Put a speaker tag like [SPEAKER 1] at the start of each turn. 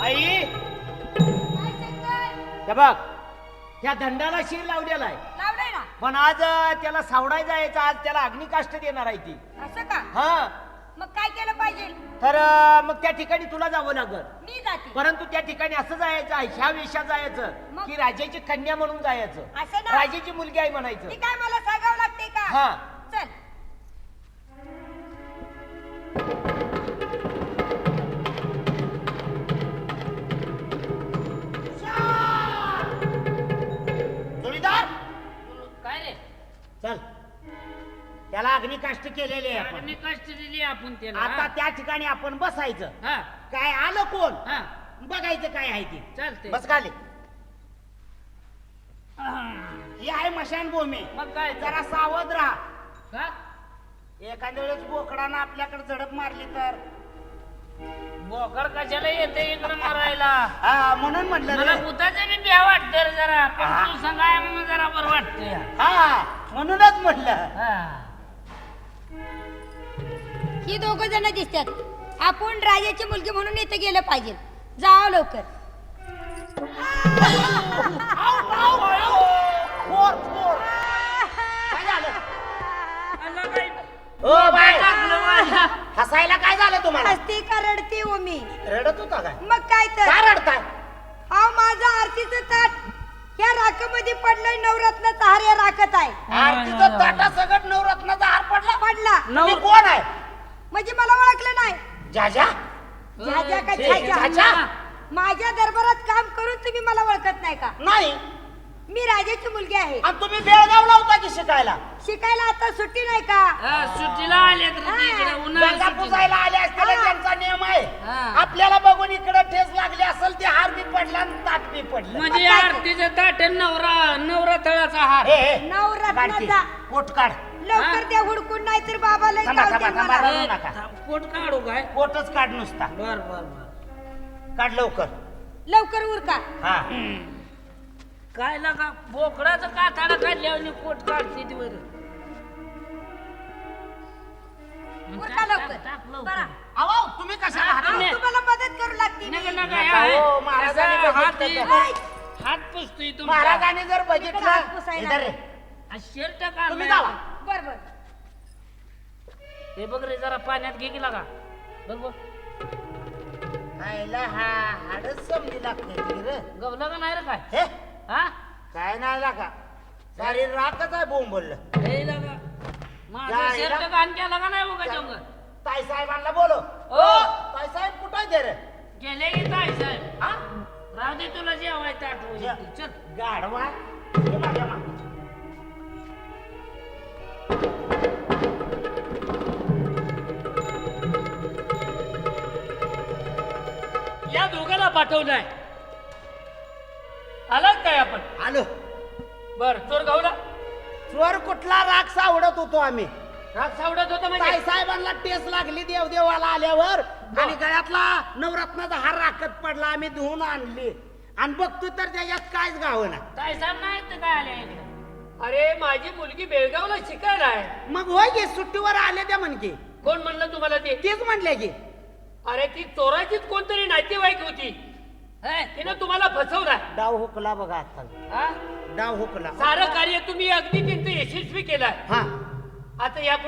[SPEAKER 1] आई
[SPEAKER 2] काय शंकर?
[SPEAKER 1] हे बघ त्या दंडाला शिर लावलेला आहे
[SPEAKER 2] लावलंय ना.
[SPEAKER 1] पण आज त्याला सावडाय जायचं आज त्याला अग्निकाष्ट देणार आहे ती
[SPEAKER 2] असं का?
[SPEAKER 1] हा
[SPEAKER 2] मग काय केलं पाहिजे?
[SPEAKER 1] तर मग त्या ठिकाणी तुला जावं लागल
[SPEAKER 2] मी जाते.
[SPEAKER 1] परंतु त्या ठिकाणी असं जायचं आहे ह्या वेशात जायचं
[SPEAKER 2] मग?
[SPEAKER 1] की राजाची कन्या म्हणून जायचं
[SPEAKER 2] असं ना?
[SPEAKER 1] राजाची मुलगी आहे म्हणायचं
[SPEAKER 2] ती काय मला सांगावं लागते का?
[SPEAKER 1] हा.
[SPEAKER 2] चल.
[SPEAKER 1] जोडीदार
[SPEAKER 3] काय रे
[SPEAKER 1] चल त्याला अग्निकाष्ट केलेले आहे आपण.
[SPEAKER 3] अग्नी कष्ट दिली आपण त्याला
[SPEAKER 1] आता त्या ठिकाणी आपण बसायचं
[SPEAKER 3] हा
[SPEAKER 1] काय आलं कोण
[SPEAKER 3] हा
[SPEAKER 1] बघायचं काय आहे ते
[SPEAKER 3] चालते
[SPEAKER 1] बस खाली ही आहे मशानभूमी
[SPEAKER 3] मग काय
[SPEAKER 1] जरा सावध राहा
[SPEAKER 3] का
[SPEAKER 1] एखाद्या वेळेस बोकडानं आपल्याकडे झडप मारली तर
[SPEAKER 3] बोकड कशाला येते इकडे मारायला
[SPEAKER 1] हा म्हणून म्हटलं
[SPEAKER 3] मला
[SPEAKER 1] रे.
[SPEAKER 3] भूताचं बी भ्या वाटतं रे जरा पण
[SPEAKER 1] हा.
[SPEAKER 3] तू सांगाय म्हणून जरा बरं वाटतंय
[SPEAKER 1] हा म्हणूनच म्हटलं
[SPEAKER 3] हा
[SPEAKER 2] ही दोघ जण दिसतात. आपण राजाची मुलगी म्हणून इथे गेलं पाहिजे. जावं लवकर.
[SPEAKER 1] फोर फोर काय झालं
[SPEAKER 3] अल्ला काय
[SPEAKER 1] ओ बाय
[SPEAKER 3] टाकलं माझ्या.
[SPEAKER 1] हसायला काय झालं तुम्हाला
[SPEAKER 2] हसती का रडती हो मी?
[SPEAKER 1] रडत होता काय
[SPEAKER 2] मग काय तर
[SPEAKER 1] काय रडताय
[SPEAKER 2] हा माझा आरतीचं ताट या राखामध्ये पडलंय. नवरत्नाचा हार या राखत आहे.
[SPEAKER 1] आरतीचं ताटा सगळं नवरत्नाचा हार पडला
[SPEAKER 2] पडला
[SPEAKER 1] तुम्ही कोण आहे
[SPEAKER 2] म्हणजे मला ओळखलं नाही.
[SPEAKER 1] जाजा
[SPEAKER 2] झाझा का
[SPEAKER 3] छे,
[SPEAKER 2] झाझा?
[SPEAKER 1] झाझा?
[SPEAKER 2] माझ्या दरबारात काम करून तुम्ही मला ओळखत नाही का?
[SPEAKER 1] नाही
[SPEAKER 2] मी राजाची मुलगी आहे.
[SPEAKER 1] आणि तुम्ही बेळगावला होता की शिकायला
[SPEAKER 2] शिकायला आता सुट्टी नाही का?
[SPEAKER 3] हा, सुट्टीला आले तर ते इकडे
[SPEAKER 1] गंगा
[SPEAKER 3] उन्हाळ्यात
[SPEAKER 1] पुजायला आले असतील
[SPEAKER 3] हा.
[SPEAKER 1] त्यांचा नियम आहे
[SPEAKER 3] हा.
[SPEAKER 1] आपल्याला बघून इकडे ठेस लागली असेल ते हार बी पडला आणि ताट बी पडलं
[SPEAKER 3] म्हणजे आरतीचं ताट आहे, नवरा तळाचा हार
[SPEAKER 1] हे, हे.
[SPEAKER 2] नवरत्नाचा.
[SPEAKER 1] पोट काढ
[SPEAKER 2] लवकर द्या हुडकून, नाही तर बाबाला
[SPEAKER 1] थांबा,
[SPEAKER 2] गावते
[SPEAKER 1] थांबा, थांबा.
[SPEAKER 2] मला.
[SPEAKER 1] रडू नका.
[SPEAKER 3] पोट काढू काय
[SPEAKER 1] पोटच काढ नुसता
[SPEAKER 3] बर बर बर
[SPEAKER 1] काढ लवकर
[SPEAKER 2] लवकर उरका.
[SPEAKER 1] हा
[SPEAKER 3] काय लागा बोकडाचं काताडा काढल्यावर पोट काढते ती वर
[SPEAKER 2] उरका लवकर.
[SPEAKER 3] टाक लवकर.
[SPEAKER 2] बरा.
[SPEAKER 1] अहो तुम्ही कशाला हात
[SPEAKER 3] नाही.
[SPEAKER 2] तुम्हाला मदत करू लागते
[SPEAKER 3] नका
[SPEAKER 2] मी.
[SPEAKER 3] नका
[SPEAKER 1] नका,
[SPEAKER 3] हे
[SPEAKER 1] हो,
[SPEAKER 3] आहे.
[SPEAKER 1] महाराजांनी
[SPEAKER 3] असा हात
[SPEAKER 1] बघितलं
[SPEAKER 3] हे-
[SPEAKER 1] तर.
[SPEAKER 2] नाही.
[SPEAKER 3] हात पुसतोय तुमचा
[SPEAKER 1] महाराजांनी जर
[SPEAKER 2] इकडे हात
[SPEAKER 1] बघितलं
[SPEAKER 2] पुसायला
[SPEAKER 1] इधर रे.
[SPEAKER 2] आले.
[SPEAKER 3] शर्ट
[SPEAKER 1] तुम्ही
[SPEAKER 3] काढ
[SPEAKER 1] जावा
[SPEAKER 2] बर बर.
[SPEAKER 3] हे बघ रे जरा पाण्यात घे की लागा बघ बघ
[SPEAKER 1] खायला हा हाडच समजी लागते ती रे
[SPEAKER 3] गवला का नाही रे काय
[SPEAKER 1] हे
[SPEAKER 3] हा
[SPEAKER 1] काय नाही लागा सारी राखच आहे बोंब बोललं
[SPEAKER 3] हे लागा माझा
[SPEAKER 1] जायला.
[SPEAKER 3] शर्ट घाण केला का नाही बघा चौंग
[SPEAKER 1] ताई साहेबांना बोलो
[SPEAKER 3] ओ.
[SPEAKER 1] ताई साहेब कुठं आहे रे
[SPEAKER 3] गेले की ताई साहेब
[SPEAKER 1] हा
[SPEAKER 3] राहू दे तुला जेवायचं आठवण चल
[SPEAKER 1] गाढवा ये माझ्या मागे.
[SPEAKER 3] या दोघांना पाठवलंय आलात काय आपण
[SPEAKER 1] आलो
[SPEAKER 3] बर चोर गावला
[SPEAKER 1] चोर कुठला राग सावडत होतो आम्ही
[SPEAKER 3] राग सावडत होता
[SPEAKER 1] ताई
[SPEAKER 3] म्हणजे
[SPEAKER 1] साहेबांना टेस लागली देवदेवाला आल्यावर आणि गळ्यातला नवरत्नाचा हार राखत पडला आम्ही धुवून आणली आणि बघतो तर त्याच्यात काहीच गावं ना
[SPEAKER 3] ताई साहेब नाही तर काय आले इकडे? अरे माझी मुलगी बेळगावला शिकायला आहे
[SPEAKER 1] मग होय की सुट्टीवर आले त्या म्हणकी
[SPEAKER 3] कोण म्हणलं तुम्हाला ते
[SPEAKER 1] तेच म्हणले की
[SPEAKER 3] अरे ती चोराचीच कोणतरी नातेवाईक होती हे, तिनं तुम्हाला फसवलाय
[SPEAKER 1] डाव हुकला बघा आता
[SPEAKER 3] हा?
[SPEAKER 1] डाव हुकला
[SPEAKER 3] सारं कार्य तुम्ही अगदी त्यांचं यशस्वी केलंय
[SPEAKER 1] हा
[SPEAKER 3] आता या